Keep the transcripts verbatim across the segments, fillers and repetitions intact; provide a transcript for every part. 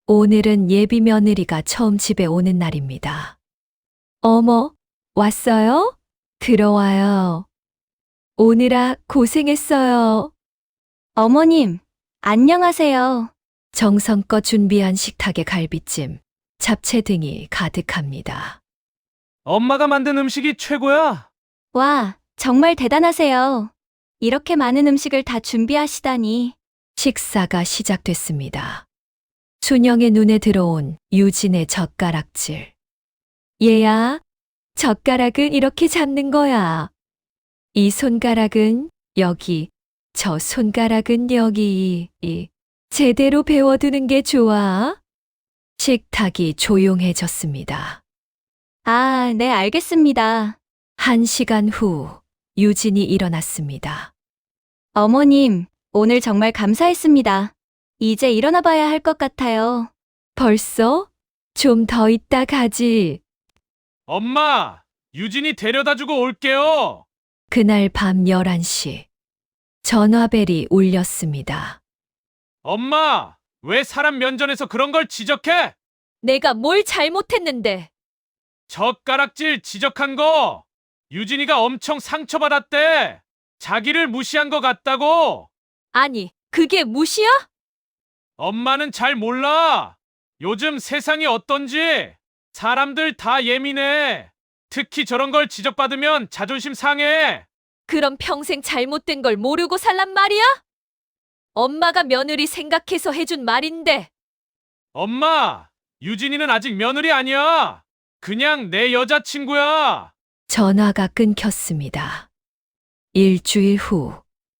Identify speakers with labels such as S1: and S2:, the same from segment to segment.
S1: 오늘은 예비 며느리가 처음 집에 오는 날입니다. 어머, 왔어요? 들어와요. 오느라 고생했어요.
S2: 어머님, 안녕하세요.
S1: 정성껏 준비한 식탁에 갈비찜, 잡채 등이 가득합니다.
S3: 엄마가 만든 음식이 최고야.
S2: 와, 정말 대단하세요. 이렇게 많은 음식을 다 준비하시다니.
S1: 식사가 시작됐습니다. 순영의 눈에 들어온 유진의 젓가락질. 얘야, 젓가락은 이렇게 잡는 거야. 이 손가락은 여기, 저 손가락은 여기, 이. 제대로 배워두는 게 좋아. 식탁이 조용해졌습니다.
S2: 아, 네, 알겠습니다.
S1: 한 시간 후, 유진이 일어났습니다.
S2: 어머님, 오늘 정말 감사했습니다. 이제 일어나 봐야 할 것 같아요.
S1: 벌써? 좀 더 있다 가지.
S3: 엄마, 유진이 데려다 주고 올게요.
S1: 그날 밤 열한 시, 전화벨이 울렸습니다.
S3: 엄마, 왜 사람 면전에서 그런 걸 지적해?
S1: 내가 뭘 잘못했는데?
S3: 젓가락질 지적한 거. 유진이가 엄청 상처받았대. 자기를 무시한 것 같다고.
S1: 아니, 그게 무시야?
S3: 엄마는 잘 몰라. 요즘 세상이 어떤지. 사람들 다 예민해. 특히 저런 걸 지적받으면 자존심 상해.
S1: 그럼 평생 잘못된 걸 모르고 살란 말이야? 엄마가 며느리 생각해서 해준 말인데.
S3: 엄마, 유진이는 아직 며느리 아니야. 그냥 내 여자친구야.
S1: 전화가 끊겼습니다. 일주일 후,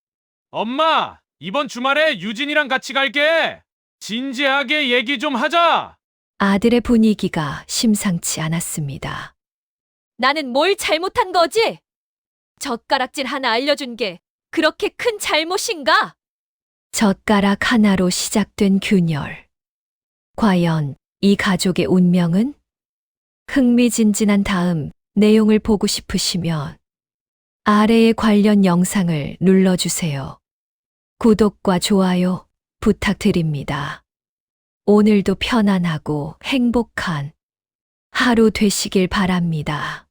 S3: 엄마, 이번 주말에 유진이랑 같이 갈게. 진지하게 얘기 좀 하자.
S1: 아들의 분위기가 심상치 않았습니다. 나는 뭘 잘못한 거지? 젓가락질 하나 알려준 게 그렇게 큰 잘못인가? 젓가락 하나로 시작된 균열. 과연 이 가족의 운명은? 흥미진진한 다음 내용을 보고 싶으시면 아래의 관련 영상을 눌러주세요. 구독과 좋아요 부탁드립니다. 오늘도 편안하고 행복한 하루 되시길 바랍니다.